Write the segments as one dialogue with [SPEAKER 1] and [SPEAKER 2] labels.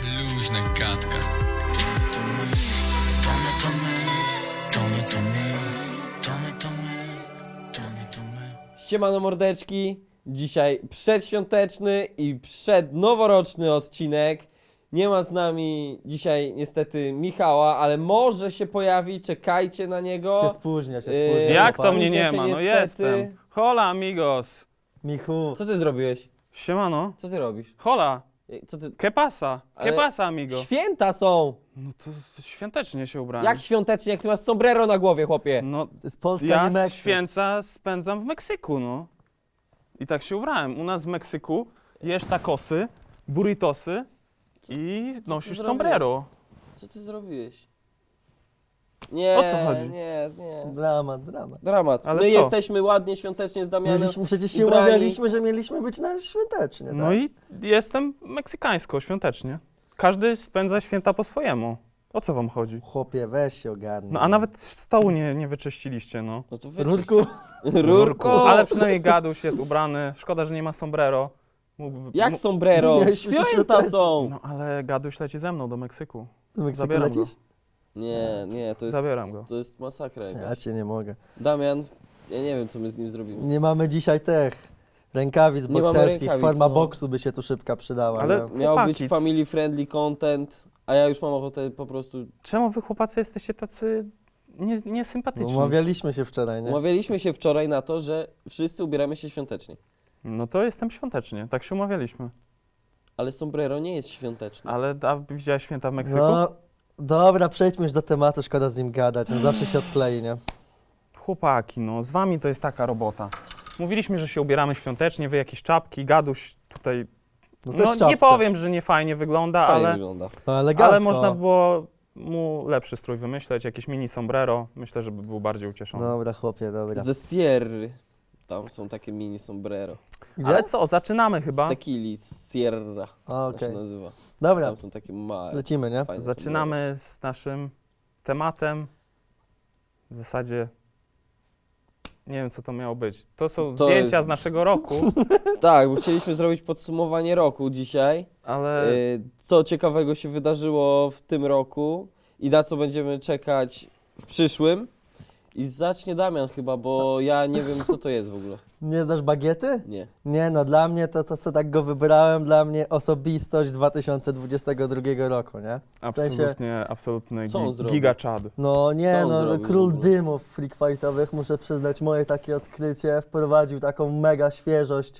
[SPEAKER 1] Luźna gadka.
[SPEAKER 2] Siemano mordeczki, dzisiaj przedświąteczny i przednoworoczny odcinek. Nie ma z nami dzisiaj niestety Michała, ale może się pojawi, czekajcie na niego.
[SPEAKER 3] Się spóźnia.
[SPEAKER 4] Jak to
[SPEAKER 2] Spóźnia
[SPEAKER 4] mnie nie
[SPEAKER 2] się
[SPEAKER 4] ma? No
[SPEAKER 2] niestety.
[SPEAKER 4] jestem. Hola amigos.
[SPEAKER 3] Michu,
[SPEAKER 2] Co ty zrobiłeś?
[SPEAKER 4] Siemano.
[SPEAKER 2] Co ty robisz?
[SPEAKER 4] Hola.
[SPEAKER 2] Co ty...
[SPEAKER 4] ¿Qué pasa?
[SPEAKER 2] Ale-
[SPEAKER 4] ¿Qué pasa amigo?
[SPEAKER 2] Święta są!
[SPEAKER 4] No to świątecznie się ubrałem.
[SPEAKER 2] Jak świątecznie, jak ty masz sombrero na głowie, chłopie?
[SPEAKER 4] No
[SPEAKER 3] to jest Polska,
[SPEAKER 4] ja
[SPEAKER 3] nie Meksyk.
[SPEAKER 4] święta spędzam w Meksyku, no. I tak się ubrałem. U nas w Meksyku jesz tacosy, burritosy i nosisz
[SPEAKER 2] zrobiłeś?
[SPEAKER 4] sombrero.
[SPEAKER 2] Co ty zrobiłeś? Nie,
[SPEAKER 4] O co chodzi?
[SPEAKER 2] nie.
[SPEAKER 3] Dramat.
[SPEAKER 2] Dramat.
[SPEAKER 4] Ale
[SPEAKER 2] My
[SPEAKER 4] co?
[SPEAKER 2] jesteśmy ładnie, świątecznie z Damianem.
[SPEAKER 3] Przecież się
[SPEAKER 2] ubrani.
[SPEAKER 3] umawialiśmy, że mieliśmy być na świątecznie, tak?
[SPEAKER 4] No i jestem meksykańsko, świątecznie. Każdy spędza święta po swojemu. O co wam chodzi?
[SPEAKER 3] Chłopie, weź się ogarnij.
[SPEAKER 4] No a nawet stołu nie wyczyściliście, no.
[SPEAKER 2] No to
[SPEAKER 3] Rurku,
[SPEAKER 2] Rurko!
[SPEAKER 4] Ale przynajmniej gaduś jest ubrany. Szkoda, że nie ma sombrero. Mógłby,
[SPEAKER 2] Jak sombrero?
[SPEAKER 3] Mieliśmy się
[SPEAKER 2] Święta
[SPEAKER 3] świątecznie.
[SPEAKER 2] są!
[SPEAKER 4] No ale gaduś leci ze mną do Meksyku.
[SPEAKER 3] do Meksyku
[SPEAKER 4] Zabieram go.
[SPEAKER 3] lecisz?
[SPEAKER 2] Nie, to jest...
[SPEAKER 4] Zabieram go.
[SPEAKER 2] To jest masakra
[SPEAKER 3] Ja
[SPEAKER 2] jakaś.
[SPEAKER 3] cię nie mogę.
[SPEAKER 2] Damian, ja nie wiem, co my z nim zrobimy.
[SPEAKER 3] Nie mamy dzisiaj tych rękawic
[SPEAKER 2] Nie mamy
[SPEAKER 3] bokserskich.
[SPEAKER 2] rękawic,
[SPEAKER 3] Forma
[SPEAKER 2] no.
[SPEAKER 3] boksu by się tu szybka przydała.
[SPEAKER 4] Ale-
[SPEAKER 3] nie?
[SPEAKER 2] Miał
[SPEAKER 4] Chłopaki,
[SPEAKER 2] być family friendly content, a ja już mam ochotę po prostu...
[SPEAKER 4] Czemu wy chłopacy jesteście tacy niesympatyczni?
[SPEAKER 3] Umawialiśmy się wczoraj, nie?
[SPEAKER 2] Umawialiśmy się wczoraj na to, że wszyscy ubieramy się świątecznie.
[SPEAKER 4] No to jestem świątecznie, tak się umawialiśmy.
[SPEAKER 2] Ale sombrero nie jest świąteczne.
[SPEAKER 4] Ale widziałeś święta w Meksyku?
[SPEAKER 3] No, dobra, przejdźmy już do tematu, szkoda z nim gadać, on zawsze się odklei, nie?
[SPEAKER 4] Chłopaki, no z wami to jest taka robota. Mówiliśmy, że się ubieramy świątecznie, wy jakieś czapki, gaduś tutaj...
[SPEAKER 3] No,
[SPEAKER 4] No
[SPEAKER 3] też
[SPEAKER 4] nie powiem, że nie fajnie wygląda,
[SPEAKER 2] Fajnie
[SPEAKER 4] ale...
[SPEAKER 2] wygląda.
[SPEAKER 3] No, elegancko.
[SPEAKER 4] Ale można było mu lepszy strój wymyśleć, jakieś mini sombrero. Myślę, żeby był bardziej ucieszony.
[SPEAKER 3] Dobra, chłopie, dobra.
[SPEAKER 2] Ze Sierry. Tam są takie mini sombrero.
[SPEAKER 3] Gdzie?
[SPEAKER 4] Ale co, zaczynamy
[SPEAKER 2] Z
[SPEAKER 4] chyba.
[SPEAKER 2] tequili, z Sierra. Tak się
[SPEAKER 3] Okej.
[SPEAKER 2] nazywa.
[SPEAKER 3] Dobra,
[SPEAKER 2] Tam są takie małe,
[SPEAKER 3] lecimy, nie?
[SPEAKER 2] fajne
[SPEAKER 4] Zaczynamy z naszym tematem. W zasadzie nie wiem, co to miało być. To są
[SPEAKER 2] To
[SPEAKER 4] zdjęcia
[SPEAKER 2] jest-
[SPEAKER 4] z naszego roku,
[SPEAKER 2] sombrero. Tak, bo chcieliśmy zrobić podsumowanie roku dzisiaj.
[SPEAKER 4] ale
[SPEAKER 2] Co ciekawego się wydarzyło w tym roku i na co będziemy czekać w przyszłym. I zacznie Damian chyba, bo ja nie wiem, co to jest w ogóle.
[SPEAKER 3] Nie znasz bagiety?
[SPEAKER 2] Nie.
[SPEAKER 3] Nie, no dla mnie to co tak go wybrałem, dla mnie osobistość 2022 roku, nie?
[SPEAKER 4] absolutnie, absolutny
[SPEAKER 2] Co on zrobił?
[SPEAKER 4] giga chad.
[SPEAKER 3] No nie,
[SPEAKER 2] Co on
[SPEAKER 3] no
[SPEAKER 2] zrobił w
[SPEAKER 3] król
[SPEAKER 2] ogóle?
[SPEAKER 3] dymów freak fightowych, muszę przyznać, moje takie odkrycie, wprowadził taką mega świeżość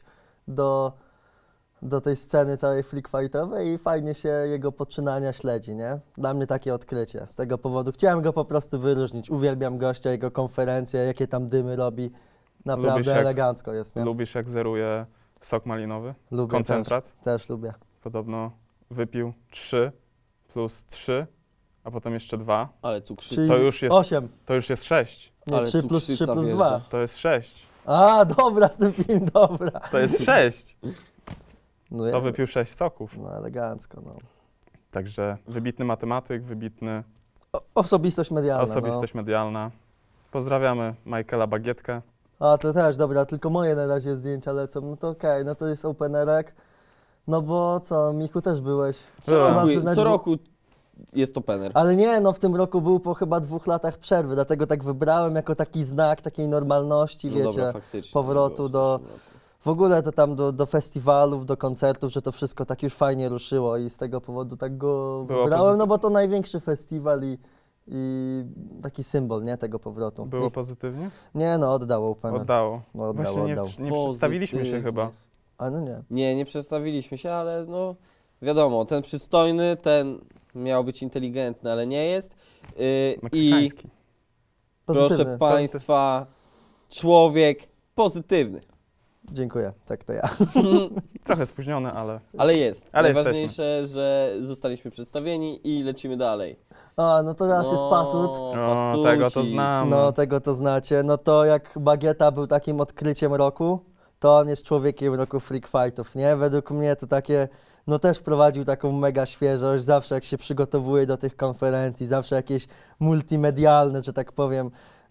[SPEAKER 3] do tej sceny całej freak fightowej i fajnie się jego poczynania śledzi, nie? Dla mnie takie odkrycie, z tego powodu chciałem go po prostu wyróżnić, uwielbiam gościa, jego konferencje, jakie tam dymy robi,
[SPEAKER 4] Lubisz,
[SPEAKER 3] naprawdę
[SPEAKER 4] jak
[SPEAKER 3] elegancko jest, nie?
[SPEAKER 4] Lubisz, jak zeruje sok malinowy?
[SPEAKER 3] Lubię
[SPEAKER 4] Koncentrat?
[SPEAKER 3] też lubię.
[SPEAKER 4] Podobno wypił 3 plus 3, a potem jeszcze 2.
[SPEAKER 2] Ale cukrzyca.
[SPEAKER 3] Czyli
[SPEAKER 4] To już jest-
[SPEAKER 3] 8,
[SPEAKER 4] To już jest 6.
[SPEAKER 3] nie,
[SPEAKER 2] Ale
[SPEAKER 3] 3 plus 3
[SPEAKER 2] cukrzyca
[SPEAKER 3] plus
[SPEAKER 2] wjeżdża.
[SPEAKER 3] 2.
[SPEAKER 4] To jest 6.
[SPEAKER 3] A, dobra, z tym film, dobra.
[SPEAKER 4] To jest 6.
[SPEAKER 3] No,
[SPEAKER 4] To
[SPEAKER 3] ja-
[SPEAKER 4] wypił 6 soków.
[SPEAKER 3] No elegancko, no.
[SPEAKER 4] Także wybitny matematyk, wybitny
[SPEAKER 3] Osobistość medialna,
[SPEAKER 4] osobistość medialna. Pozdrawiamy Michaela Bagietkę.
[SPEAKER 3] no. A, to też, dobra, tylko moje na razie zdjęcia lecą, no to okej, no to jest openerek. No bo co, Michu, też byłeś.
[SPEAKER 2] Co
[SPEAKER 4] Byłem.
[SPEAKER 3] Trzeba
[SPEAKER 2] roku,
[SPEAKER 3] przyznać,
[SPEAKER 2] co
[SPEAKER 3] bo-
[SPEAKER 2] roku jest opener.
[SPEAKER 3] Ale nie, no w tym roku był po chyba 2 latach przerwy, dlatego tak wybrałem jako taki znak takiej normalności,
[SPEAKER 2] No
[SPEAKER 3] wiecie.
[SPEAKER 2] dobra, faktycznie.
[SPEAKER 3] powrotu
[SPEAKER 2] było w
[SPEAKER 3] do-
[SPEAKER 2] zeszłym roku.
[SPEAKER 3] W ogóle to tam do festiwalów, do koncertów, że to wszystko tak już fajnie ruszyło i z tego powodu tak go
[SPEAKER 4] Było
[SPEAKER 3] wybrałem, no bo to największy festiwal i taki symbol, nie, tego powrotu.
[SPEAKER 4] Było pozytywnie?
[SPEAKER 3] Nie, no oddał opener.
[SPEAKER 4] Oddało.
[SPEAKER 3] No, oddał,
[SPEAKER 4] Właśnie
[SPEAKER 3] oddał.
[SPEAKER 4] nie przedstawiliśmy się
[SPEAKER 2] Pozytywnie.
[SPEAKER 4] chyba.
[SPEAKER 3] A no nie.
[SPEAKER 2] Nie przedstawiliśmy się, ale no wiadomo, ten przystojny, ten miał być inteligentny, ale nie jest. I
[SPEAKER 4] Meksykański.
[SPEAKER 2] proszę
[SPEAKER 3] Pozytywny.
[SPEAKER 2] Państwa, człowiek pozytywny.
[SPEAKER 3] Dziękuję, tak to ja.
[SPEAKER 4] Trochę spóźniony, ale
[SPEAKER 2] Ale jest.
[SPEAKER 4] Ale
[SPEAKER 2] Najważniejsze, że zostaliśmy przedstawieni i lecimy dalej.
[SPEAKER 3] A, no to raz jest pasut.
[SPEAKER 4] o, tego to znam.
[SPEAKER 3] No, tego to znacie. No to jak Bagieta był takim odkryciem roku, to on jest człowiekiem roku freak fightów, nie? Według mnie to takie, no też wprowadził taką mega świeżość, zawsze jak się przygotowuje do tych konferencji, zawsze jakieś multimedialne, że tak powiem,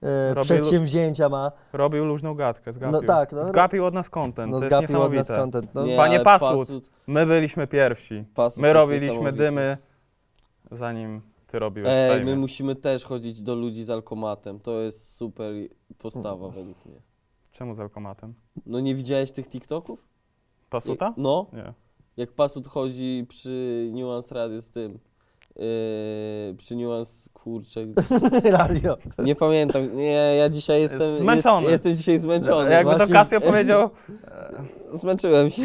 [SPEAKER 4] Robię
[SPEAKER 3] przedsięwzięcia ma.
[SPEAKER 4] Robił luźną gadkę, zgapił.
[SPEAKER 3] No tak, no.
[SPEAKER 4] Zgapił od nas content,
[SPEAKER 3] No
[SPEAKER 4] to jest
[SPEAKER 3] zgapił od nas
[SPEAKER 4] niesamowite.
[SPEAKER 3] content. No.
[SPEAKER 2] Nie,
[SPEAKER 4] Panie
[SPEAKER 2] ale
[SPEAKER 4] Pasut, my byliśmy pierwsi.
[SPEAKER 2] Pasut
[SPEAKER 4] My
[SPEAKER 2] jest
[SPEAKER 4] robiliśmy
[SPEAKER 2] niesamowity.
[SPEAKER 4] dymy, zanim ty robiłeś
[SPEAKER 2] Ej,
[SPEAKER 4] fejmy.
[SPEAKER 2] my musimy też chodzić do ludzi z alkomatem. To jest super postawa według mnie.
[SPEAKER 4] Czemu z alkomatem?
[SPEAKER 2] No nie widziałeś tych TikToków?
[SPEAKER 4] Pasuta?
[SPEAKER 2] No,
[SPEAKER 4] Nie.
[SPEAKER 2] jak Pasut chodzi przy Nuance Radio z tym. Przy Nuance, kurczę.
[SPEAKER 3] Radio.
[SPEAKER 2] Nie pamiętam. Nie, ja dzisiaj jestem.
[SPEAKER 4] zmęczony.
[SPEAKER 2] Jestem dzisiaj zmęczony.
[SPEAKER 4] Jakby to
[SPEAKER 3] Właśnie-
[SPEAKER 4] Casio powiedział,
[SPEAKER 2] Zmęczyłem się.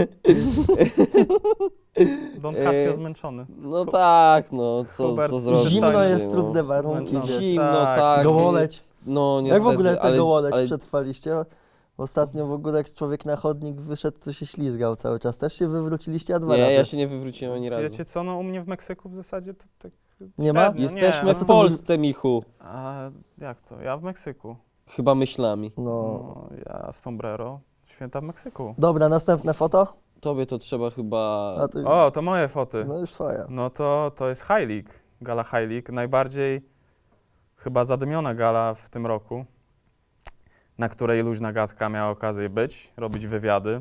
[SPEAKER 4] Don Casio zmęczony.
[SPEAKER 2] No tak, no co
[SPEAKER 4] Hubert,
[SPEAKER 2] zrobić?
[SPEAKER 3] Zimno
[SPEAKER 4] Przystojny,
[SPEAKER 3] jest, trudne warunki.
[SPEAKER 4] Zmęczony.
[SPEAKER 3] wiecie.
[SPEAKER 2] Zimno,
[SPEAKER 4] Tak.
[SPEAKER 2] tak.
[SPEAKER 3] Gołoleć.
[SPEAKER 2] No niestety.
[SPEAKER 3] Jak w ogóle
[SPEAKER 2] ale,
[SPEAKER 3] te gołoleć
[SPEAKER 2] ale
[SPEAKER 3] przetrwaliście? Ostatnio w ogóle jak człowiek na chodnik wyszedł, to się ślizgał cały czas. Też się wywróciliście, a dwa
[SPEAKER 2] Nie,
[SPEAKER 3] razy.
[SPEAKER 2] ja się nie wywróciłem ani razu.
[SPEAKER 4] Wiecie co, no u mnie w Meksyku w zasadzie to tak
[SPEAKER 3] Nie ma?
[SPEAKER 4] średnio,
[SPEAKER 2] Jesteśmy
[SPEAKER 4] nie.
[SPEAKER 2] w Polsce, Michu.
[SPEAKER 4] A jak to? Ja w Meksyku.
[SPEAKER 2] Chyba myślami.
[SPEAKER 3] No.
[SPEAKER 4] No, ja sombrero, święta w Meksyku.
[SPEAKER 3] Dobra, następne foto.
[SPEAKER 2] Tobie to trzeba chyba.
[SPEAKER 3] A ty...
[SPEAKER 4] O, to moje foty.
[SPEAKER 3] No już twoja.
[SPEAKER 4] No to jest High League, gala High League, najbardziej chyba zadymiona gala w tym roku, na której luźna gadka miała okazję być, robić wywiady.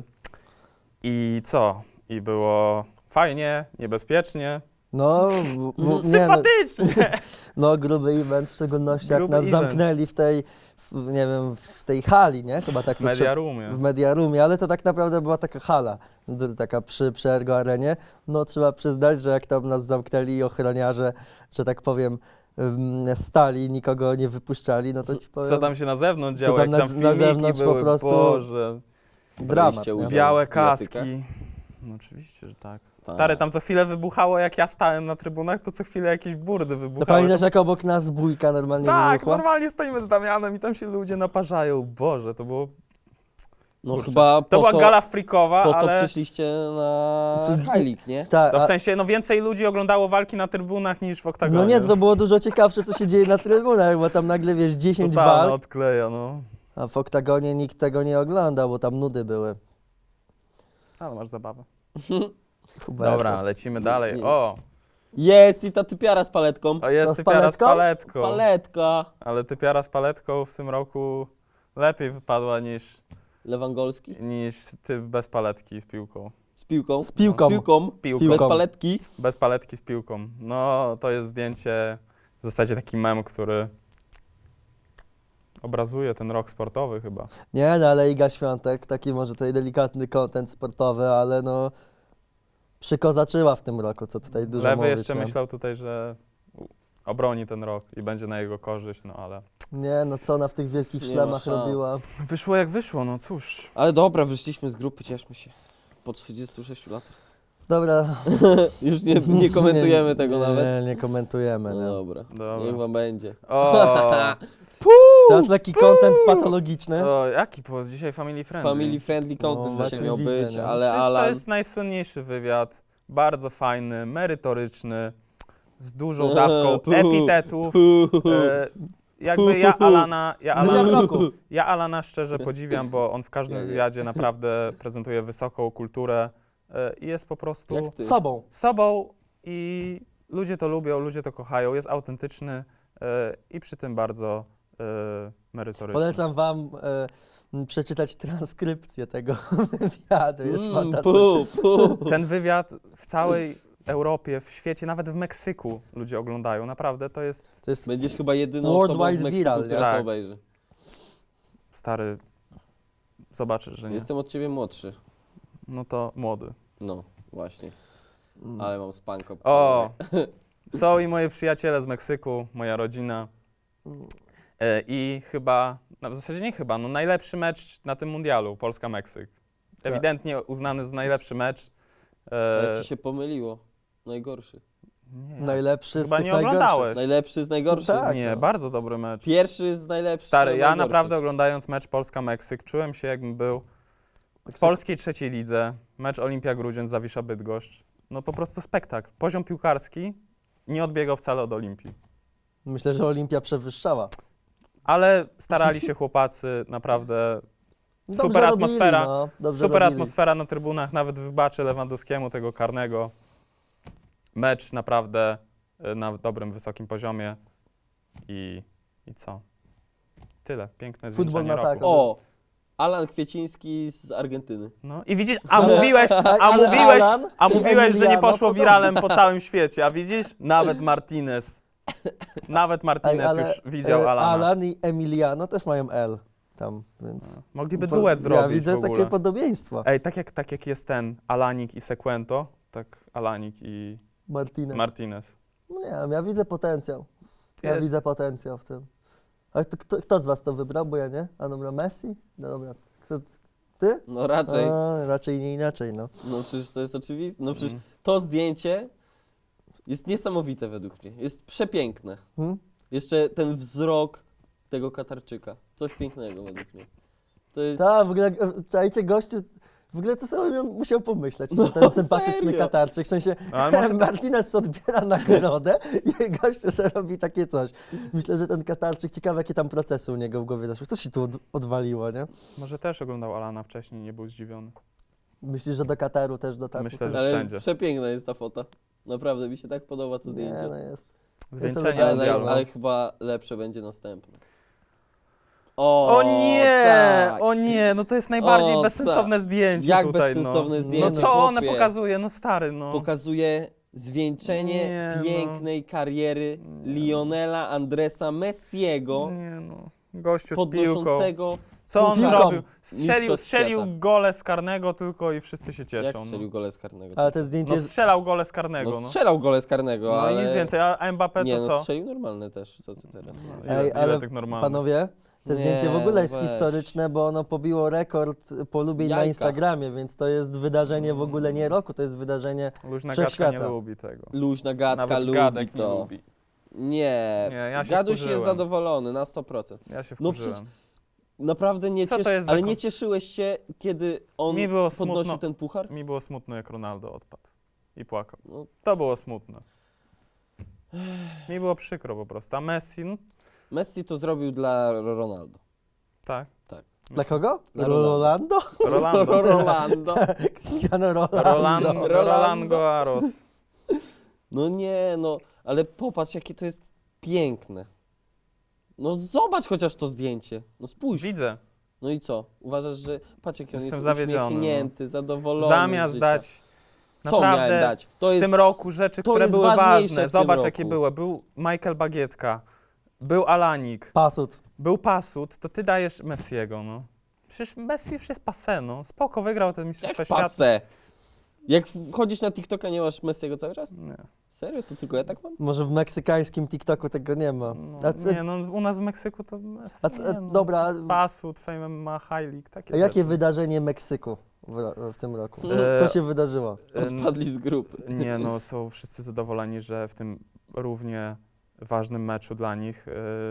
[SPEAKER 4] I co? I było fajnie, niebezpiecznie,
[SPEAKER 3] No, nie, no,
[SPEAKER 4] sympatycznie.
[SPEAKER 3] no gruby event, w szczególności jak
[SPEAKER 4] Gruby
[SPEAKER 3] nas
[SPEAKER 4] event.
[SPEAKER 3] zamknęli w tej, nie wiem, w tej hali, nie? Chyba tak to
[SPEAKER 4] Media Roomie.
[SPEAKER 3] w Media Roomie, ale to tak naprawdę była taka hala, taka przy Ergo Arenie. No trzeba przyznać, że jak tam nas zamknęli ochroniarze, że tak powiem, stali, nikogo nie wypuszczali, no to ci powiem,
[SPEAKER 4] Co tam się na zewnątrz
[SPEAKER 3] Co
[SPEAKER 4] działo,
[SPEAKER 3] tam
[SPEAKER 4] jak
[SPEAKER 3] na
[SPEAKER 4] tam filmiki
[SPEAKER 3] zewnątrz po
[SPEAKER 4] były,
[SPEAKER 3] prostu-
[SPEAKER 4] Boże.
[SPEAKER 3] dramat.
[SPEAKER 2] Braliście
[SPEAKER 3] Nie?
[SPEAKER 2] udział.
[SPEAKER 4] Białe
[SPEAKER 2] w biletykach?
[SPEAKER 4] kaski. No oczywiście, że tak.
[SPEAKER 2] Tak.
[SPEAKER 4] Stary, tam co chwilę wybuchało, jak ja stałem na trybunach, to co chwilę jakieś burdy
[SPEAKER 3] To
[SPEAKER 4] wybuchały.
[SPEAKER 3] pamiętasz, jak obok nas bójka normalnie
[SPEAKER 4] Tak,
[SPEAKER 3] wybuchła?
[SPEAKER 4] normalnie stoimy z Damianem i tam się ludzie naparzają. Boże, to było...
[SPEAKER 2] No
[SPEAKER 4] kurczę.
[SPEAKER 2] chyba
[SPEAKER 4] To była gala freakowa,
[SPEAKER 2] po to
[SPEAKER 4] ale...
[SPEAKER 2] przyszliście na
[SPEAKER 3] Co-
[SPEAKER 2] High League, nie?
[SPEAKER 3] Tak,
[SPEAKER 4] To w sensie, no więcej ludzi oglądało walki na trybunach niż w oktagonie.
[SPEAKER 3] no nie, to było dużo ciekawsze, co się dzieje na trybunach, bo tam nagle, wiesz, 10
[SPEAKER 4] Totalna
[SPEAKER 3] walk,
[SPEAKER 4] odkleja, no.
[SPEAKER 3] a w oktagonie nikt tego nie oglądał, bo tam nudy były.
[SPEAKER 4] Ale masz zabawę.
[SPEAKER 3] Hubertus.
[SPEAKER 4] Dobra, lecimy dalej. O,
[SPEAKER 2] Jest i ta typiara z paletką.
[SPEAKER 4] to jest
[SPEAKER 3] To z
[SPEAKER 4] typiara z
[SPEAKER 3] paletką?
[SPEAKER 4] paletką.
[SPEAKER 2] Paletka.
[SPEAKER 4] Ale typiara z paletką w tym roku lepiej wypadła
[SPEAKER 2] Lewangolski.
[SPEAKER 4] niż ty bez paletki z piłką.
[SPEAKER 2] Z piłką.
[SPEAKER 3] Z piłką.
[SPEAKER 2] Z piłką.
[SPEAKER 4] Piłką.
[SPEAKER 2] Bez paletki.
[SPEAKER 4] Bez paletki z piłką. No, to jest zdjęcie, w zasadzie taki mem, który obrazuje ten rok sportowy chyba.
[SPEAKER 3] Nie, no ale Iga Świątek, taki może tutaj delikatny content sportowy, ale no przykozaczyła w tym roku, co tutaj dużo
[SPEAKER 4] Lewy
[SPEAKER 3] mówić.
[SPEAKER 4] jeszcze
[SPEAKER 3] nie?
[SPEAKER 4] myślał tutaj, że obroni ten rok i będzie na jego korzyść, no ale
[SPEAKER 3] Nie, no co ona w tych wielkich
[SPEAKER 2] Nie ma
[SPEAKER 3] szlemach
[SPEAKER 2] szans.
[SPEAKER 3] robiła.
[SPEAKER 4] wyszło jak wyszło, no cóż.
[SPEAKER 2] Ale dobra, wyszliśmy z grupy, cieszmy się. Po 36 latach.
[SPEAKER 3] Dobra.
[SPEAKER 2] Już nie komentujemy tego
[SPEAKER 3] nie,
[SPEAKER 2] nawet.
[SPEAKER 3] Nie komentujemy,
[SPEAKER 2] No
[SPEAKER 3] no.
[SPEAKER 2] dobra.
[SPEAKER 4] Dobra.
[SPEAKER 2] Niech wam będzie.
[SPEAKER 4] O,
[SPEAKER 3] Teraz lekki content patologiczny.
[SPEAKER 4] o jaki dzisiaj family friendly.
[SPEAKER 2] Family friendly content
[SPEAKER 3] No,
[SPEAKER 2] dzisiaj
[SPEAKER 3] właśnie
[SPEAKER 2] miał
[SPEAKER 3] widzę,
[SPEAKER 2] być,
[SPEAKER 3] no.
[SPEAKER 2] ale
[SPEAKER 4] Przecież
[SPEAKER 2] Alan...
[SPEAKER 4] to jest najsłynniejszy wywiad, bardzo fajny, merytoryczny, z dużą dawką epitetów. Jakby
[SPEAKER 3] Wywiad roku.
[SPEAKER 4] ja Alana szczerze podziwiam, bo on w każdym
[SPEAKER 2] Ja nie.
[SPEAKER 4] wywiadzie naprawdę prezentuje wysoką kulturę i jest po prostu
[SPEAKER 2] Jak ty?
[SPEAKER 3] Sobą.
[SPEAKER 4] sobą i ludzie to lubią, ludzie to kochają, jest autentyczny i przy tym bardzo merytoryczny.
[SPEAKER 3] Polecam wam przeczytać transkrypcję tego wywiadu. Jest fantastyczny.
[SPEAKER 4] Ten wywiad w całej Europie, w świecie, nawet w Meksyku ludzie oglądają. Naprawdę to jest
[SPEAKER 3] To jest
[SPEAKER 2] Będziesz chyba jedyną
[SPEAKER 3] Worldwide
[SPEAKER 2] osobą w Meksyku,
[SPEAKER 3] viral, nie?
[SPEAKER 2] która
[SPEAKER 4] Tak.
[SPEAKER 2] to obejrzy.
[SPEAKER 4] stary. Zobaczysz, że nie.
[SPEAKER 2] Jestem od ciebie młodszy.
[SPEAKER 4] No to młody.
[SPEAKER 2] No, właśnie.
[SPEAKER 3] Mm.
[SPEAKER 2] Ale mam spanko.
[SPEAKER 4] O! Są i moi przyjaciele z Meksyku, moja rodzina. I chyba, no w zasadzie nie chyba, no najlepszy mecz na tym mundialu, Polska-Meksyk.
[SPEAKER 3] Tak.
[SPEAKER 4] Ewidentnie uznany za najlepszy mecz.
[SPEAKER 2] Ale ci się pomyliło. Najgorszy.
[SPEAKER 4] Nie,
[SPEAKER 3] Najlepszy
[SPEAKER 4] chyba
[SPEAKER 3] z tych
[SPEAKER 4] nie
[SPEAKER 3] najgorszych.
[SPEAKER 4] oglądałeś.
[SPEAKER 2] Najlepszy z najgorszych.
[SPEAKER 3] No tak.
[SPEAKER 4] Nie, bardzo dobry mecz.
[SPEAKER 2] Pierwszy z najlepszych.
[SPEAKER 4] Stary,
[SPEAKER 2] do
[SPEAKER 4] ja
[SPEAKER 2] najgorszych.
[SPEAKER 4] naprawdę oglądając mecz Polska-Meksyk czułem się jakbym był w polskiej trzeciej lidze, mecz Olimpia Grudziądz, Zawisza Bydgoszcz. No po prostu spektakl. Poziom piłkarski nie odbiegał wcale od Olimpii.
[SPEAKER 3] Myślę, że Olimpia przewyższała.
[SPEAKER 4] Ale starali się chłopacy, naprawdę
[SPEAKER 3] Dobrze
[SPEAKER 4] super
[SPEAKER 3] robili,
[SPEAKER 4] atmosfera.
[SPEAKER 3] no, dobrze
[SPEAKER 4] super
[SPEAKER 3] robili.
[SPEAKER 4] atmosfera na trybunach, nawet wybaczę Lewandowskiemu tego karnego. Mecz naprawdę na dobrym, wysokim poziomie i co? Tyle, piękne
[SPEAKER 3] Futbol
[SPEAKER 4] zwieńczenie
[SPEAKER 3] na
[SPEAKER 4] roku.
[SPEAKER 3] tak.
[SPEAKER 2] O! Alan Kwieciński z Argentyny.
[SPEAKER 4] No i widzisz,
[SPEAKER 3] Ale- ale Alan
[SPEAKER 4] a
[SPEAKER 3] i
[SPEAKER 4] mówiłeś, że nie
[SPEAKER 3] Emiliano
[SPEAKER 4] poszło
[SPEAKER 3] podobnie.
[SPEAKER 4] wiralem po całym świecie, a widzisz? Nawet Martinez
[SPEAKER 3] Ale,
[SPEAKER 4] już widział Alana.
[SPEAKER 3] Alan i Emiliano też mają L tam, więc...
[SPEAKER 4] Mogliby duet zrobić
[SPEAKER 3] Ja widzę
[SPEAKER 4] w ogóle.
[SPEAKER 3] takie podobieństwa.
[SPEAKER 4] Ej, tak jak jest ten Alanik i Sequento, tak Alanik i
[SPEAKER 3] Martinez.
[SPEAKER 4] Martinez.
[SPEAKER 3] No nie wiem, ja widzę potencjał. Ja
[SPEAKER 4] Jest.
[SPEAKER 3] widzę potencjał w tym. Ale kto z was to wybrał? Bo ja nie. A dobra, Messi? No dobra. Ty?
[SPEAKER 2] No raczej.
[SPEAKER 3] A, raczej nie inaczej, no.
[SPEAKER 2] No przecież to jest oczywiste. No przecież
[SPEAKER 4] Mm.
[SPEAKER 2] to zdjęcie jest niesamowite według mnie. Jest przepiękne.
[SPEAKER 3] Hmm?
[SPEAKER 2] Jeszcze ten wzrok tego Katarczyka. Coś pięknego według mnie. To jest...
[SPEAKER 3] Tak, w ogóle, czajcie, gościu, w ogóle to sobie on musiał pomyśleć,
[SPEAKER 2] No,
[SPEAKER 3] ten sympatyczny
[SPEAKER 2] serio?
[SPEAKER 3] Katarczyk, w sensie
[SPEAKER 4] Ale może
[SPEAKER 3] Martinez odbiera nagrodę i gościu sobie robi takie coś. Myślę, że ten Katarczyk, ciekawe jakie tam procesy u niego w głowie zaszły. Co się tu odwaliło, nie?
[SPEAKER 4] Może też oglądał Alana wcześniej, nie był zdziwiony.
[SPEAKER 3] Myślisz, że do Kataru też dotarł?
[SPEAKER 4] Myślę, że
[SPEAKER 2] Ale
[SPEAKER 4] wszędzie.
[SPEAKER 2] przepiękna jest ta fota. Naprawdę mi się tak podoba to
[SPEAKER 3] Nie,
[SPEAKER 2] zdjęcie.
[SPEAKER 3] no jest.
[SPEAKER 4] Zwieńczenie
[SPEAKER 3] Ale
[SPEAKER 4] mundialu.
[SPEAKER 2] Ale chyba lepsze będzie następne. O,
[SPEAKER 4] O nie,
[SPEAKER 2] tak.
[SPEAKER 4] o nie, no to jest najbardziej
[SPEAKER 2] O,
[SPEAKER 4] bezsensowne zdjęcie
[SPEAKER 2] Jak
[SPEAKER 4] tutaj,
[SPEAKER 2] bezsensowne
[SPEAKER 3] no.
[SPEAKER 2] zdjęcie.
[SPEAKER 4] No co one
[SPEAKER 2] chłopie.
[SPEAKER 4] pokazuje, no stary, no.
[SPEAKER 2] Pokazuje zwieńczenie
[SPEAKER 4] Nie, no.
[SPEAKER 2] pięknej kariery
[SPEAKER 4] Nie.
[SPEAKER 2] Lionela Andresa Messiego,
[SPEAKER 4] Nie no, gościu z piłką.
[SPEAKER 2] podnoszącego...
[SPEAKER 4] Co on
[SPEAKER 3] piłką.
[SPEAKER 4] zrobił?
[SPEAKER 2] Mistrzostw
[SPEAKER 4] Strzelił
[SPEAKER 2] świata.
[SPEAKER 4] gole z karnego tylko i wszyscy się cieszą.
[SPEAKER 2] Jak strzelił gole z karnego?
[SPEAKER 3] Ale to zdjęcie
[SPEAKER 4] No
[SPEAKER 3] jest...
[SPEAKER 4] strzelał gole z karnego,
[SPEAKER 2] No
[SPEAKER 4] no.
[SPEAKER 2] strzelał gole z karnego,
[SPEAKER 4] No
[SPEAKER 2] ale...
[SPEAKER 4] i nic więcej, a Mbappé
[SPEAKER 2] Nie,
[SPEAKER 4] to
[SPEAKER 2] no
[SPEAKER 4] co?
[SPEAKER 2] strzelił normalne też, co ty teraz?
[SPEAKER 3] Ej,
[SPEAKER 4] Ile
[SPEAKER 3] ale
[SPEAKER 4] tych normalnych?
[SPEAKER 3] Panowie, to
[SPEAKER 2] Nie,
[SPEAKER 3] zdjęcie w ogóle jest
[SPEAKER 2] weź.
[SPEAKER 3] historyczne, bo ono pobiło rekord polubień na
[SPEAKER 2] Jajka.
[SPEAKER 3] Instagramie, więc to jest wydarzenie w ogóle nie roku, to jest wydarzenie...
[SPEAKER 4] Luźna gadka nie
[SPEAKER 3] wszechświata.
[SPEAKER 4] lubi tego.
[SPEAKER 2] Luźna gadka
[SPEAKER 4] Nawet
[SPEAKER 2] lubi
[SPEAKER 4] gadek
[SPEAKER 2] to.
[SPEAKER 4] nie lubi.
[SPEAKER 2] Nie,
[SPEAKER 4] Nie, ja się
[SPEAKER 2] Gaduś
[SPEAKER 4] wkurzyłem.
[SPEAKER 2] jest zadowolony na 100%.
[SPEAKER 4] Ja się
[SPEAKER 2] No
[SPEAKER 4] wkurzyłem.
[SPEAKER 2] Naprawdę nie
[SPEAKER 4] Co to jest za
[SPEAKER 2] ale
[SPEAKER 4] kon-
[SPEAKER 2] nie cieszyłeś się, kiedy on
[SPEAKER 4] Mi było
[SPEAKER 2] podnosił
[SPEAKER 4] smutno.
[SPEAKER 2] ten puchar?
[SPEAKER 4] Mi było smutno, jak Ronaldo odpadł i płakał.
[SPEAKER 2] No,
[SPEAKER 4] To było smutne. Mi było przykro po prostu. A Messi, no
[SPEAKER 2] Messi to zrobił dla Ronaldo.
[SPEAKER 4] tak.
[SPEAKER 3] Dla kogo?
[SPEAKER 2] Dla
[SPEAKER 3] Rolando?
[SPEAKER 4] Rolando.
[SPEAKER 2] Rolando.
[SPEAKER 3] Cristiano Rolando.
[SPEAKER 4] Roland Garros.
[SPEAKER 2] No nie, no, ale popatrz, jakie to jest piękne. No zobacz chociaż to zdjęcie. No spójrz.
[SPEAKER 4] Widzę.
[SPEAKER 2] No i co? Uważasz, że patrz jak on
[SPEAKER 4] Jestem
[SPEAKER 2] jest
[SPEAKER 4] zawiedziony,
[SPEAKER 2] uśmiechnięty, zadowolony z
[SPEAKER 4] Zamiast
[SPEAKER 2] życia.
[SPEAKER 4] dać
[SPEAKER 2] Co miałem
[SPEAKER 4] naprawdę
[SPEAKER 2] dać? To
[SPEAKER 4] w
[SPEAKER 2] jest
[SPEAKER 4] tym roku rzeczy,
[SPEAKER 2] to
[SPEAKER 4] które
[SPEAKER 2] jest
[SPEAKER 4] były
[SPEAKER 2] ważniejsze w
[SPEAKER 4] ważne.
[SPEAKER 2] tym
[SPEAKER 4] Zobacz,
[SPEAKER 2] roku.
[SPEAKER 4] jakie były. Był Michael Bagietka, był Alanik,
[SPEAKER 3] Pasut.
[SPEAKER 4] był Pasut, to ty dajesz Messiego, no. Przecież Messi już jest passé, no. Spoko, wygrał te Mistrzostwa
[SPEAKER 2] jak
[SPEAKER 4] Świata.
[SPEAKER 2] passe. Jak wchodzisz na TikToka, nie masz Messiego cały czas?
[SPEAKER 4] Nie.
[SPEAKER 2] Serio? To tylko ja tak mam?
[SPEAKER 3] Może w meksykańskim TikToku tego nie ma.
[SPEAKER 4] No,
[SPEAKER 3] A,
[SPEAKER 4] nie, no u nas w Meksyku to Messi,
[SPEAKER 3] a,
[SPEAKER 4] nie, no.
[SPEAKER 3] dobra,
[SPEAKER 4] Pasut, Fame ma High League, takie
[SPEAKER 3] a jakie
[SPEAKER 4] rzeczy.
[SPEAKER 3] wydarzenie Meksyku w tym roku?
[SPEAKER 4] E,
[SPEAKER 3] Co się wydarzyło?
[SPEAKER 2] Odpadli z grupy.
[SPEAKER 4] Nie, no są wszyscy zadowoleni, że w tym równie ważnym meczu dla nich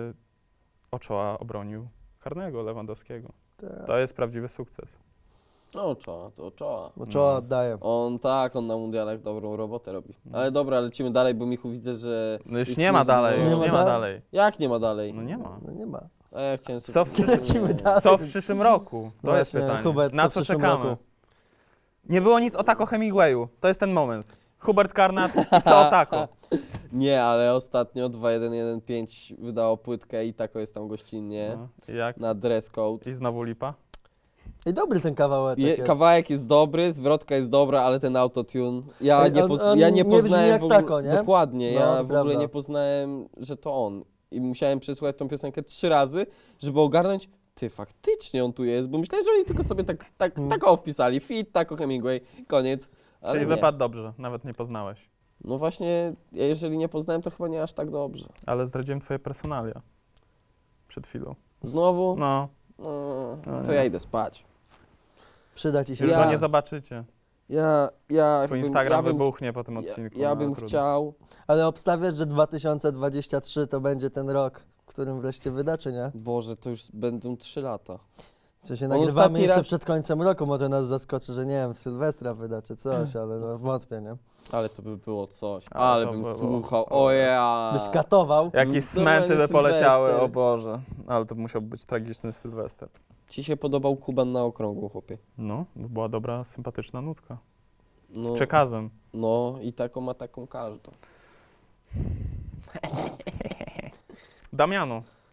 [SPEAKER 4] Ochoa obronił karnego Lewandowskiego. To jest prawdziwy sukces.
[SPEAKER 2] No czoła, to czoła.
[SPEAKER 3] Bo czoła oddaję.
[SPEAKER 2] On na mundialach dobrą robotę robi. Ale dobra, lecimy dalej, bo Michu widzę, że...
[SPEAKER 4] No już
[SPEAKER 2] jest
[SPEAKER 4] nie ma dalej,
[SPEAKER 2] niezadowolony.
[SPEAKER 4] już nie ma dalej.
[SPEAKER 2] Jak nie ma dalej?
[SPEAKER 4] No nie ma.
[SPEAKER 3] No nie ma.
[SPEAKER 2] A ja chciałem
[SPEAKER 4] Co w
[SPEAKER 2] sobie...
[SPEAKER 3] Lecimy
[SPEAKER 2] Nie.
[SPEAKER 3] dalej.
[SPEAKER 4] Co w przyszłym roku? To jest
[SPEAKER 3] Właśnie,
[SPEAKER 4] pytanie.
[SPEAKER 3] Hubert,
[SPEAKER 4] Na
[SPEAKER 3] co w
[SPEAKER 4] co
[SPEAKER 3] przyszłym
[SPEAKER 4] czekamy?
[SPEAKER 3] roku?
[SPEAKER 4] Nie było nic o Taco Hemingwayu. To jest ten moment. Hubert Karnat i co o Taco?
[SPEAKER 2] Nie, ale ostatnio 2115 wydało płytkę i tako jest tam gościnnie.
[SPEAKER 4] No, i jak?
[SPEAKER 2] Na dress code.
[SPEAKER 4] I znowu lipa?
[SPEAKER 3] I dobry ten kawałeczek jest.
[SPEAKER 2] Kawałek jest dobry, zwrotka jest dobra, ale ten autotune. Ja
[SPEAKER 3] Ej,
[SPEAKER 2] nie,
[SPEAKER 3] on
[SPEAKER 2] ja nie
[SPEAKER 3] nie brzmi
[SPEAKER 2] poznałem
[SPEAKER 3] jak
[SPEAKER 2] w ogóle,
[SPEAKER 3] tako, nie?
[SPEAKER 2] Dokładnie,
[SPEAKER 3] No,
[SPEAKER 2] ja
[SPEAKER 3] to
[SPEAKER 2] w ogóle
[SPEAKER 3] prawda.
[SPEAKER 2] nie poznałem, że to on. I musiałem przesłuchać tą piosenkę 3 razy, żeby ogarnąć, ty faktycznie on tu jest, bo myślałem, że oni tylko sobie tak wpisali, fit, tako Hemingway, koniec. Ale
[SPEAKER 4] Czyli
[SPEAKER 2] nie.
[SPEAKER 4] wypadł dobrze, nawet nie poznałeś.
[SPEAKER 2] No właśnie, ja jeżeli nie poznałem, to chyba nie aż tak dobrze.
[SPEAKER 4] Ale zdradziłem twoje personalia. Przed chwilą.
[SPEAKER 2] Znowu?
[SPEAKER 4] No,
[SPEAKER 2] To ja idę spać.
[SPEAKER 3] Przyda ci się.
[SPEAKER 4] już
[SPEAKER 2] Ja-
[SPEAKER 4] go nie zobaczycie. Twój Instagram wybuchnie po tym odcinku.
[SPEAKER 2] Ja
[SPEAKER 4] no,
[SPEAKER 2] bym
[SPEAKER 4] trudno.
[SPEAKER 2] chciał,
[SPEAKER 3] Ale obstawiasz, że 2023 to będzie ten rok, w którym wreszcie wyda, czy nie?
[SPEAKER 2] Boże, to już będą 3 lata.
[SPEAKER 3] Czy się
[SPEAKER 2] On
[SPEAKER 3] nagrywamy
[SPEAKER 2] ostatni
[SPEAKER 3] jeszcze
[SPEAKER 2] raz-
[SPEAKER 3] przed końcem roku, może nas zaskoczy, że nie wiem, w Sylwestra wyda, czy coś, ale no wątpię, nie?
[SPEAKER 2] Ale to by było coś.
[SPEAKER 4] Ale
[SPEAKER 2] Ale
[SPEAKER 4] to
[SPEAKER 2] bym
[SPEAKER 4] było-
[SPEAKER 2] słuchał.
[SPEAKER 4] o,
[SPEAKER 2] O ja.
[SPEAKER 3] Byś katował.
[SPEAKER 4] Jakieś
[SPEAKER 2] Normalny
[SPEAKER 4] smenty by poleciały,
[SPEAKER 2] Sylwester.
[SPEAKER 4] o Boże. Ale to musiał być tragiczny Sylwester.
[SPEAKER 2] Ci się podobał Kuban na okrągło, chłopie.
[SPEAKER 4] No, była dobra, sympatyczna nutka. Z
[SPEAKER 2] No,
[SPEAKER 4] przekazem.
[SPEAKER 2] no i taką ma taką każdą.
[SPEAKER 4] Damiano,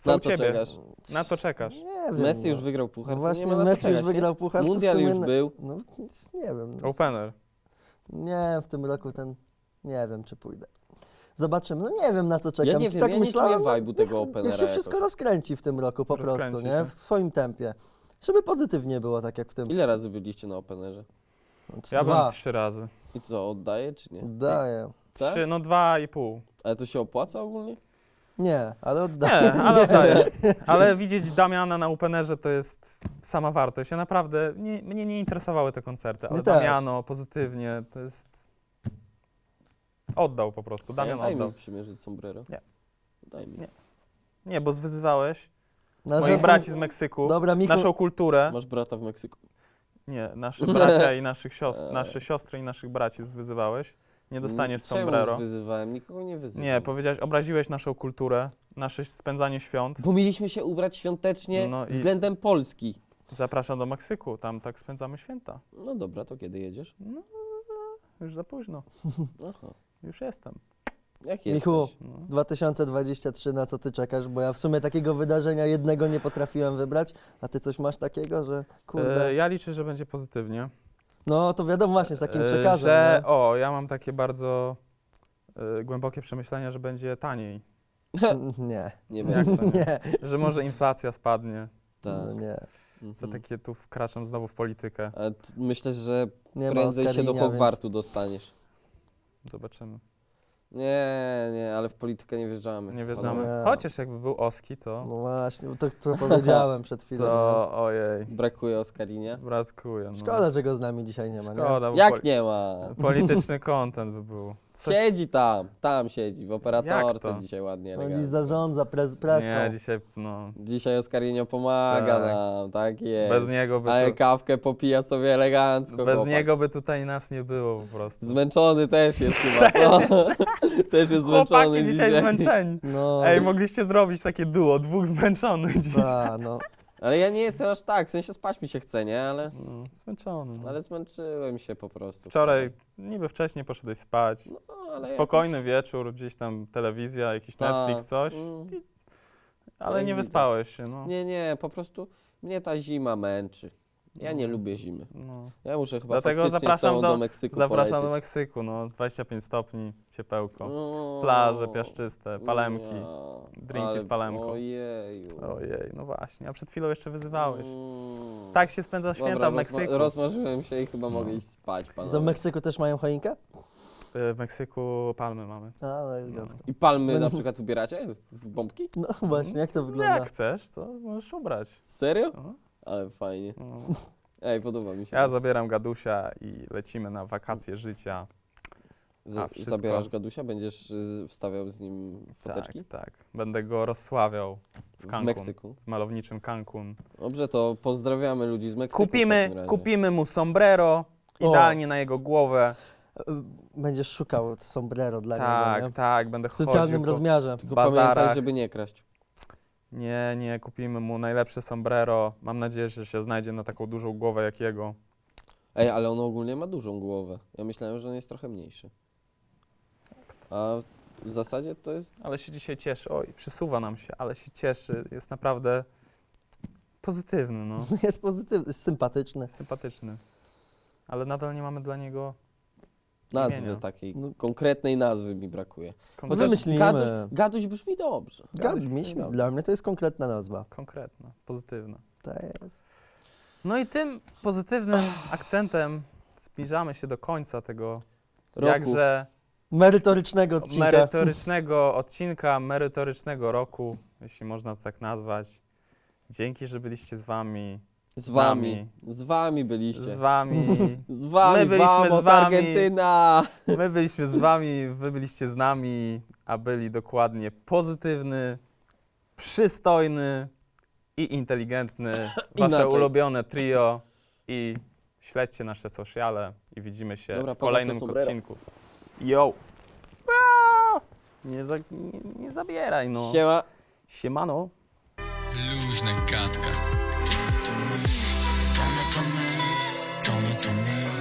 [SPEAKER 4] Co
[SPEAKER 2] Na
[SPEAKER 4] u
[SPEAKER 2] co
[SPEAKER 4] ciebie?
[SPEAKER 2] czekasz?
[SPEAKER 4] Na co czekasz?
[SPEAKER 3] Nie wiem.
[SPEAKER 2] Messi
[SPEAKER 3] no.
[SPEAKER 2] już wygrał puchar,
[SPEAKER 3] No
[SPEAKER 2] to nie
[SPEAKER 3] właśnie,
[SPEAKER 2] ma na co
[SPEAKER 3] Messi już
[SPEAKER 2] czekać, nie?
[SPEAKER 3] wygrał puchar. to w
[SPEAKER 2] Mundial
[SPEAKER 3] sumie
[SPEAKER 2] już był.
[SPEAKER 3] No nic, nie wiem.
[SPEAKER 4] Opener.
[SPEAKER 3] Nie, w tym roku nie wiem, czy pójdę. Zobaczymy. No nie wiem, na co czekam.
[SPEAKER 2] Ja nie
[SPEAKER 3] Czy
[SPEAKER 2] wiem,
[SPEAKER 3] tak
[SPEAKER 2] ja nie
[SPEAKER 3] myślałem,
[SPEAKER 2] czuję vibe'u tego
[SPEAKER 3] niech
[SPEAKER 2] openera
[SPEAKER 3] się wszystko
[SPEAKER 2] jakoś.
[SPEAKER 3] rozkręci w tym roku po prostu,
[SPEAKER 4] Rozkręci
[SPEAKER 3] nie?
[SPEAKER 4] się.
[SPEAKER 3] W swoim tempie. Żeby pozytywnie było, tak jak w tym.
[SPEAKER 2] Ile razy byliście na openerze?
[SPEAKER 3] Znaczy,
[SPEAKER 4] Ja byłem
[SPEAKER 3] dwa.
[SPEAKER 4] 3 razy.
[SPEAKER 2] I co, oddaje czy nie?
[SPEAKER 3] Daję.
[SPEAKER 2] Tak?
[SPEAKER 4] 3, no 2,5.
[SPEAKER 2] Ale to się opłaca ogólnie?
[SPEAKER 3] Nie, ale oddaję.
[SPEAKER 4] Nie, ale oddaję. Ale widzieć Damiana na Openerze to jest sama wartość. Ja naprawdę, mnie nie interesowały te koncerty, ale
[SPEAKER 3] Mnie też.
[SPEAKER 4] Damiano pozytywnie, to jest... Oddał po prostu, Damian
[SPEAKER 2] Daj
[SPEAKER 4] oddał.
[SPEAKER 2] mi przymierzyć sombrero.
[SPEAKER 4] Nie.
[SPEAKER 2] Daj mi.
[SPEAKER 4] Nie. Nie, bo zwyzywałeś
[SPEAKER 3] Na
[SPEAKER 4] moich
[SPEAKER 3] żadną-
[SPEAKER 4] braci z Meksyku,
[SPEAKER 3] Dobra, Michu,
[SPEAKER 4] naszą kulturę.
[SPEAKER 2] Masz brata w Meksyku?
[SPEAKER 4] Nie, naszych bracia i naszych siostr, nasze siostry i naszych braci zwyzywałeś. Nie dostaniesz
[SPEAKER 2] Czemu
[SPEAKER 4] sombrero.
[SPEAKER 2] wyzywałem? Nikogo nie wyzywam.
[SPEAKER 4] Nie, powiedziałeś, obraziłeś naszą kulturę, nasze spędzanie świąt.
[SPEAKER 2] Bo mieliśmy się ubrać świątecznie
[SPEAKER 4] No i-
[SPEAKER 2] względem Polski.
[SPEAKER 4] Zapraszam do Meksyku, tam tak spędzamy święta.
[SPEAKER 2] No dobra, to kiedy jedziesz?
[SPEAKER 4] No, już za późno,
[SPEAKER 2] Aha.
[SPEAKER 4] już jestem.
[SPEAKER 2] Jak
[SPEAKER 3] Michu.
[SPEAKER 2] jesteś?
[SPEAKER 4] No.
[SPEAKER 3] 2023, na co ty czekasz? Bo ja w sumie takiego wydarzenia jednego nie potrafiłem wybrać, a ty coś masz takiego, że kurde.
[SPEAKER 4] Ja liczę, że będzie pozytywnie.
[SPEAKER 3] No to wiadomo właśnie z takim przekazem.
[SPEAKER 4] Że,
[SPEAKER 3] no.
[SPEAKER 4] ja mam takie bardzo głębokie przemyślenia, że będzie taniej.
[SPEAKER 3] Nie,
[SPEAKER 2] Nie
[SPEAKER 4] Jak
[SPEAKER 2] wiem.
[SPEAKER 4] to nie?
[SPEAKER 3] nie,
[SPEAKER 4] Że może inflacja spadnie.
[SPEAKER 3] no
[SPEAKER 2] Tak.
[SPEAKER 3] nie.
[SPEAKER 4] To
[SPEAKER 2] Mhm.
[SPEAKER 4] takie tu wkraczam znowu w politykę.
[SPEAKER 2] Ale myślę, że
[SPEAKER 3] Nie ma
[SPEAKER 2] prędzej się do
[SPEAKER 3] Oscarinia,
[SPEAKER 2] Hogwartu dostaniesz.
[SPEAKER 4] Zobaczymy.
[SPEAKER 2] Nie, ale w politykę nie wjeżdżamy.
[SPEAKER 4] Nie wjeżdżamy.
[SPEAKER 3] Nie.
[SPEAKER 4] Chociaż jakby był Oski,
[SPEAKER 3] Więc,
[SPEAKER 4] to...
[SPEAKER 3] no właśnie, to powiedziałem przed chwilą.
[SPEAKER 4] To ojej,
[SPEAKER 2] Brakuje Oscarinia.
[SPEAKER 4] bratkuję. No.
[SPEAKER 3] Szkoda, że go z nami dzisiaj nie ma, nie?
[SPEAKER 4] Szkoda, bo
[SPEAKER 2] Jak nie ma?
[SPEAKER 4] polityczny content by był. Coś...
[SPEAKER 2] Siedzi tam siedzi, w
[SPEAKER 4] Jak
[SPEAKER 2] operatorce
[SPEAKER 4] to?
[SPEAKER 2] dzisiaj ładnie,
[SPEAKER 3] On dziś
[SPEAKER 2] elegancko.
[SPEAKER 3] zarządza preską.
[SPEAKER 4] Nie, dzisiaj, no,
[SPEAKER 2] Dzisiaj Oscarinio pomaga
[SPEAKER 4] Tak.
[SPEAKER 2] nam, tak jest.
[SPEAKER 4] bez niego by
[SPEAKER 2] Ale
[SPEAKER 4] tu,
[SPEAKER 2] kawkę popija sobie elegancko,
[SPEAKER 4] bez
[SPEAKER 2] chłopak.
[SPEAKER 4] niego by tutaj nas nie było po prostu.
[SPEAKER 2] Zmęczony też jest chyba, co? Też jest zmęczony
[SPEAKER 4] Chłopaki dzisiaj zmęczeni.
[SPEAKER 3] No,
[SPEAKER 4] Ej, mogliście zrobić takie duo, dwóch zmęczonych dzisiaj.
[SPEAKER 3] no.
[SPEAKER 2] Ale ja nie jestem aż tak, w sensie spać mi się chce, nie?
[SPEAKER 4] No, zmęczony. No.
[SPEAKER 2] Ale zmęczyłem się po prostu.
[SPEAKER 4] Wczoraj niby wcześniej poszedłeś spać.
[SPEAKER 2] No, ale
[SPEAKER 4] Spokojny wieczór, gdzieś tam telewizja, jakiś
[SPEAKER 2] Tak.
[SPEAKER 4] Netflix, coś.
[SPEAKER 2] Mm.
[SPEAKER 4] Ale
[SPEAKER 2] Jak
[SPEAKER 4] nie
[SPEAKER 2] widać.
[SPEAKER 4] wyspałeś się, no.
[SPEAKER 2] Nie, po prostu mnie ta zima męczy. Ja nie
[SPEAKER 4] No.
[SPEAKER 2] lubię zimy.
[SPEAKER 4] No.
[SPEAKER 2] Ja muszę chyba
[SPEAKER 4] Dlatego
[SPEAKER 2] faktycznie
[SPEAKER 4] zapraszam
[SPEAKER 2] z tobą
[SPEAKER 4] do-
[SPEAKER 2] do Meksyku
[SPEAKER 4] Zapraszam do
[SPEAKER 2] polecieć.
[SPEAKER 4] Meksyku, no 25 stopni, ciepełko.
[SPEAKER 2] No,
[SPEAKER 4] Plaże piaszczyste, palemki.
[SPEAKER 2] ja,
[SPEAKER 4] drinki
[SPEAKER 2] ale-
[SPEAKER 4] z palemką.
[SPEAKER 2] Ojeju.
[SPEAKER 4] Ojej, no właśnie, a przed chwilą jeszcze wyzywałeś.
[SPEAKER 2] Mm.
[SPEAKER 4] Tak się spędza święta
[SPEAKER 2] Dobra,
[SPEAKER 4] w Meksyku.
[SPEAKER 2] rozmarzyłem się i chyba
[SPEAKER 4] No.
[SPEAKER 2] mogę iść spać,
[SPEAKER 3] To w
[SPEAKER 2] panowie.
[SPEAKER 3] Meksyku też mają choinkę?
[SPEAKER 4] W Meksyku palmy mamy.
[SPEAKER 3] A, no elegancko.
[SPEAKER 2] I palmy na przykład ubieracie w bombki?
[SPEAKER 3] No właśnie, jak to
[SPEAKER 4] No,
[SPEAKER 3] wygląda?
[SPEAKER 4] jak chcesz, to możesz ubrać.
[SPEAKER 2] Serio?
[SPEAKER 4] No,
[SPEAKER 2] Ale fajnie.
[SPEAKER 4] no.
[SPEAKER 2] Ej, podoba mi się.
[SPEAKER 4] Ja zabieram Gadusia i lecimy na wakacje życia. wszystko.
[SPEAKER 2] Zabierasz Gadusia? Będziesz wstawiał z nim foteczki?
[SPEAKER 4] Tak. Będę go rozsławiał w
[SPEAKER 2] W
[SPEAKER 4] Cancun,
[SPEAKER 2] Meksyku.
[SPEAKER 4] w malowniczym Cancun.
[SPEAKER 2] Dobrze, to pozdrawiamy ludzi z Meksyku. w takim razie.
[SPEAKER 4] Kupimy mu sombrero,
[SPEAKER 3] O.
[SPEAKER 4] idealnie na jego głowę.
[SPEAKER 3] Będziesz szukał sombrero dla niego,
[SPEAKER 4] Tak,
[SPEAKER 3] nie?
[SPEAKER 4] tak, będę
[SPEAKER 3] W
[SPEAKER 4] chodził
[SPEAKER 3] socjalnym
[SPEAKER 4] po...
[SPEAKER 3] rozmiarze.
[SPEAKER 2] Tylko
[SPEAKER 4] bazarach.
[SPEAKER 2] pamiętaj, żeby nie kraść.
[SPEAKER 4] Nie, kupimy mu najlepsze sombrero. Mam nadzieję, że się znajdzie na taką dużą głowę jak jego.
[SPEAKER 2] Ej, ale on ogólnie ma dużą głowę. Ja myślałem, że on jest trochę mniejszy. A w zasadzie to jest...
[SPEAKER 4] Ale się dzisiaj cieszy. Oj, przysuwa nam się, ale się cieszy. Jest naprawdę pozytywny, no.
[SPEAKER 3] Jest pozytywny, jest sympatyczny.
[SPEAKER 4] Sympatyczny. Ale nadal nie mamy dla niego
[SPEAKER 2] Nazwy
[SPEAKER 4] imienia.
[SPEAKER 2] takiej,
[SPEAKER 3] No.
[SPEAKER 2] konkretnej nazwy mi brakuje.
[SPEAKER 4] konkretna.
[SPEAKER 3] Wymyślimy.
[SPEAKER 2] Gaduś brzmi dobrze.
[SPEAKER 3] Dla mnie to jest konkretna nazwa.
[SPEAKER 4] Konkretna, pozytywna.
[SPEAKER 3] To jest.
[SPEAKER 4] No i tym pozytywnym akcentem zbliżamy się do końca tego
[SPEAKER 2] Roku.
[SPEAKER 4] jakże
[SPEAKER 3] Merytorycznego odcinka.
[SPEAKER 4] merytorycznego odcinka, merytorycznego roku, jeśli można to tak nazwać. Dzięki, że byliście z wami.
[SPEAKER 2] Z wami byliście.
[SPEAKER 4] Z wami.
[SPEAKER 2] Z wami,
[SPEAKER 4] My byliśmy
[SPEAKER 2] vamos,
[SPEAKER 4] z wami.
[SPEAKER 2] Argentyna!
[SPEAKER 4] My byliśmy z wami, wy byliście z nami, a byli dokładnie pozytywny, przystojny i inteligentny. Wasze
[SPEAKER 2] Inaczej.
[SPEAKER 4] ulubione trio. I śledźcie nasze sociale i widzimy się
[SPEAKER 2] Dobra,
[SPEAKER 4] w
[SPEAKER 2] pokaż
[SPEAKER 4] kolejnym
[SPEAKER 2] to sombrero.
[SPEAKER 4] odcinku. Yo! Nie zabieraj, no.
[SPEAKER 2] Siema.
[SPEAKER 4] Siemano.
[SPEAKER 1] Luźna gadka. To my.